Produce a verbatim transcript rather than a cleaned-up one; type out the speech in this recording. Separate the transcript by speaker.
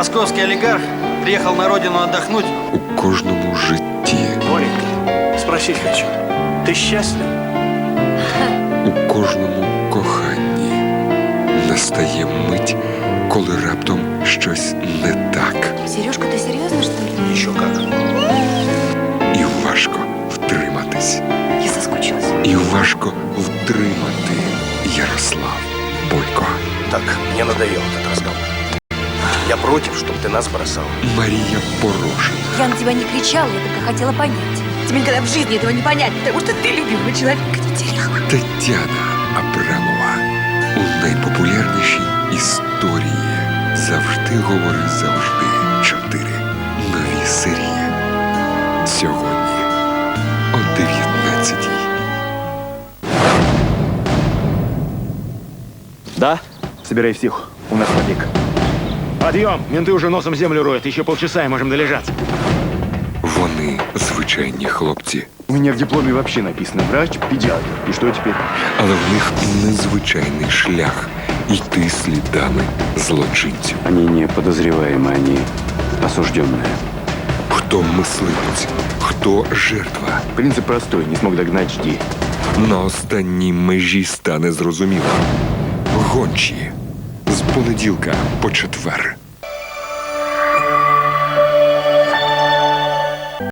Speaker 1: Московский олигарх приехал на родину отдохнуть.
Speaker 2: У кожному житті,
Speaker 3: Боренька, спросить хочу. Ты счастлив?
Speaker 2: у кожному коханні настає мить, коли раптом щось не так.
Speaker 4: Сережка, ты серьезно, что ли?
Speaker 3: Еще как.
Speaker 2: І важко втриматись.
Speaker 4: Я соскучилась.
Speaker 2: І важко втримати. Ярослав Бойко.
Speaker 3: Так, мне надоел этот разговор. Я против, чтобы ты нас бросал.
Speaker 2: Марія Порошина.
Speaker 4: Я на тебя не кричала, я только хотела понять. Тебе никогда в жизни этого не понять, потому что ты любимого человека не теряла.
Speaker 2: Тетяна Абрамова. У найпопулярнішій історії «Завжди говори завжди». Чотири нові серії. Сьогодні о дев'ятнадцятій.
Speaker 5: Да? Собирай всех. У нас побег. Подъем! Менты уже носом землю роют. Еще полчаса и можем долежаться.
Speaker 2: Вони звичайні хлопці,
Speaker 5: У меня в дипломе вообще написано врач-педиатр. И что теперь?
Speaker 2: але в них незвичайний шлях йти слідами злочинців.
Speaker 6: Они не подозреваемые, они осужденные.
Speaker 2: Хто мисливець, хто жертва.
Speaker 5: Принцип простой. Не смог догнать, жди.
Speaker 2: На останній межі стане зрозуміло. Гончі. З понеділка по четвер.